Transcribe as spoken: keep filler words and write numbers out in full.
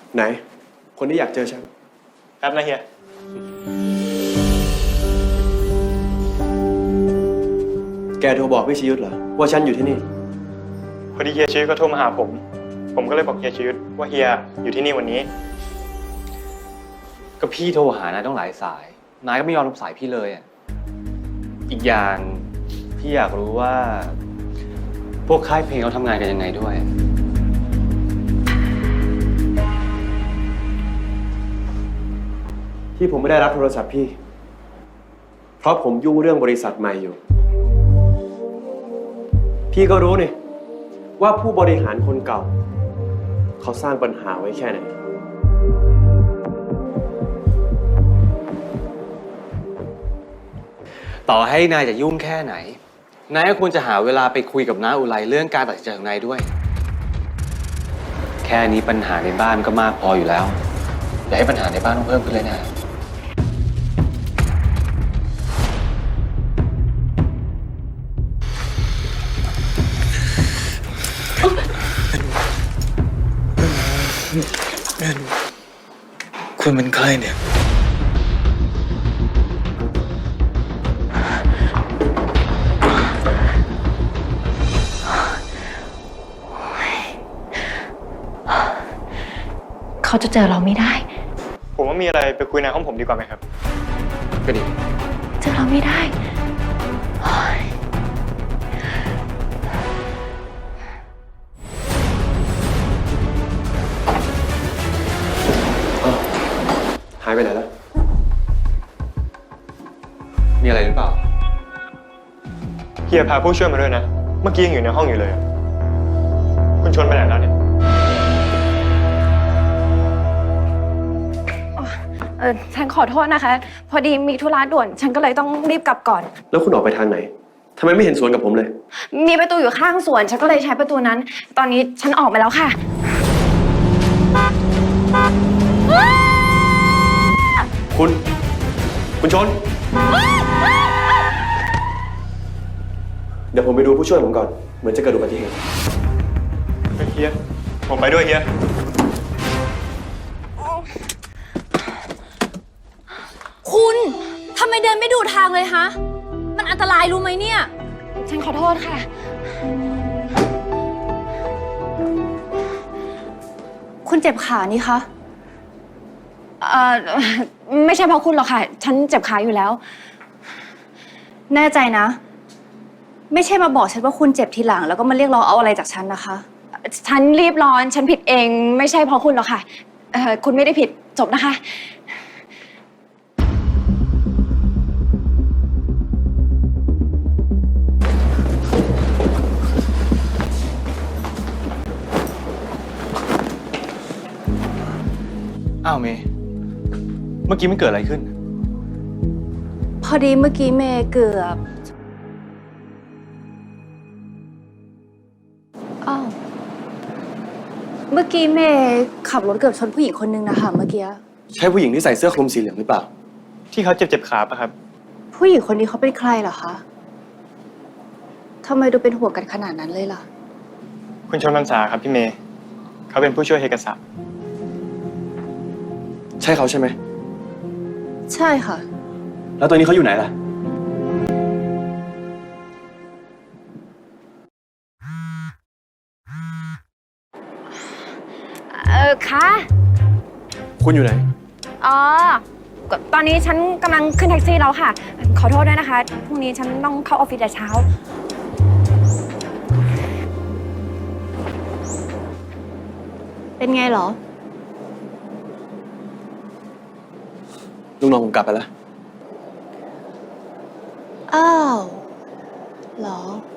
ไหนคนที่อยากเจอฉันแป๊บนะเฮียแกโทรบอกพี่ชยุทธเหรอว่าฉันอยู่ที่นี่พอดีเฮียชีวิตก็โทรมาหาผมผมก็เลยบอกเฮียชีวิตว่าเฮียอยู่ที่นี่วันนี้ก็พี่โทรหานายต้องหลายสายนายก็ไม่ยอมรับสายพี่เลยอ่ะอีกอย่างพี่อยากรู้ว่าพวกค่ายเพลงเขาทำงานกันยังไงด้วยที่ผมไม่ได้รับโทรศัพท์พี่เพราะผมยุ่งเรื่องบริษัทใหม่อยู่พี่ก็รู้นี่ว่าผู้บริหารคนเก่าเขาสร้างปัญหาไว้แค่ไหนต่อให้นายจะยุ่งแค่ไหนนายก็ควรจะหาเวลาไปคุยกับน้าอุไรเรื่องการตัดสินใจของนายด้วยแค่นี้ปัญหาในบ้านก็มากพออยู่แล้วอย่าให้ปัญหาในบ้านต้องเพิ่มขึ้นเลยนะคุณเป็นใครเนี่ยเขาจะเจอเราไม่ได้ผมว่ามีอะไรไปคุยในห้องผมดีกว่าไหมครับก็ดีเจอเราไม่ได้หายไปไหนแล้วมีอะไรหรือเปล่าเฮียพาผู้ช่วยมาด้วยนะเมื่อกี้ยังอยู่ในห้องอยู่เลยคุณชวนไปไหนแล้วเนี่ยเออฉันขอโทษนะคะพอดีมีธุระด่วนฉันก็เลยต้องรีบกลับก่อนแล้วคุณออกไปทางไหนทำไมไม่เห็นสวนกับผมเลยมีประตูอยู่ข้างสวนฉันก็เลยใช้ประตูนั้นตอนนี้ฉันออกมาแล้วค่ะคุณคุณชนเดี๋ยวผมไปดูผู้ช่วยผมก่อนเหมือนจะเกิดอุบัติเหตุเฮียผมไปด้วยเฮียคุณทำไมเดินไม่ดูทางเลยฮะมันอันตรายรู้ไหมเนี่ยฉันขอโทษค่ะคุณเจ็บขานี่คะเอ่อไม่ใช่เพราะคุณหรอกค่ะฉันเจ็บขาอยู่แล้วแน่ใจนะไม่ใช่มาบอกฉันว่าคุณเจ็บทีหลังแล้วก็มาเรียกร้องเอาอะไรจากฉันนะคะฉันรีบร้อนฉันผิดเองไม่ใช่เพราะคุณหรอกค่ะเอ่อคุณไม่ได้ผิดจบนะคะอ้าวเมย์เมื่อกี้มันเกิดอะไรขึ้นพอดีเมื่อกี้เมย์เกือบอ้าวเมื่อกี้เมย์ขับรถเกือบชนผู้หญิงคนนึงนะคะเมื่อกี้ใช่ผู้หญิงที่ใส่เสื้อคลุมสีเหลืองหรือเปล่าที่เขาเจ็บเจ็บขาปะครับผู้หญิงคนนี้เขาเป็นใครเหรอคะทำไมดูเป็นห่วงกันขนาดนั้นเลยล่ะคุณชนพรรษาครับพี่เมย์เขาเป็นผู้ช่วยเฮกษะใช่เขาใช่ไหมใช่ค่ะแล้วตอนนี้เขาอยู่ไหนล่ะเออคะคุณอยู่ไหนอ๋อตอนนี้ฉันกำลังขึ้นแท็กซี่แล้วค่ะขอโทษด้วยนะคะพรุ่งนี้ฉันต้องเข้าออฟฟิศแต่เช้าเป็นไงเหรอลูกน้องผมกลับไปแล้วอ้าวเหรอ